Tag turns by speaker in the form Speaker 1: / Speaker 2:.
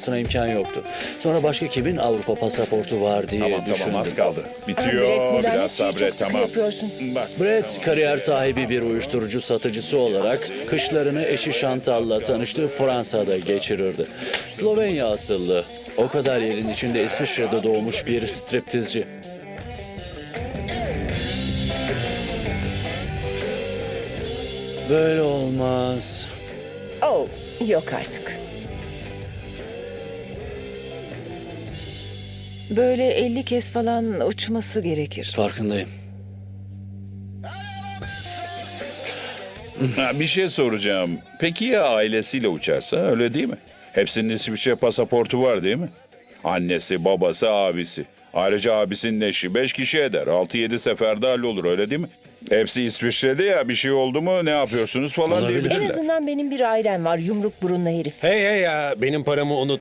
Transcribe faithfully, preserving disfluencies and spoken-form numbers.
Speaker 1: olmasına imkan yoktu. Sonra başka kimin Avrupa pasaportu var diye
Speaker 2: Tamam
Speaker 1: düşündüm.
Speaker 2: tamam az kaldı.
Speaker 3: Brett,
Speaker 2: Bitiyor.
Speaker 3: bu lanet
Speaker 2: Biraz
Speaker 3: şeyi çok
Speaker 2: sabret
Speaker 3: sıkı
Speaker 2: tamam.
Speaker 3: yapıyorsun.
Speaker 2: Bak.
Speaker 1: Brett, kariyer sahibi bir uyuşturucu satıcısı olarak kışlarını eşi Chantal'la tanıştığı Fransa'da geçirirdi. Slovenya asıllı, o kadar yerin içinde İsviçre'de doğmuş bir striptizci. Böyle olmaz.
Speaker 3: Oh, yok artık.
Speaker 4: Böyle elli kez falan uçması gerekir.
Speaker 1: Farkındayım.
Speaker 2: Ha, bir şey soracağım. Peki ya ailesiyle uçarsa öyle değil mi? Hepsinin İsviçre pasaportu var değil mi? Annesi, babası, abisi. Ayrıca abisinin eşi. Beş kişi eder. Altı yedi seferde hallolur öyle değil mi? Hepsi İsviçre'de ya bir şey oldu mu ne yapıyorsunuz falan
Speaker 1: Olabilir.
Speaker 3: En
Speaker 2: diyebilirler.
Speaker 3: azından benim bir ailem var, yumruk burunlu herif.
Speaker 5: Hey hey ya benim paramı unut.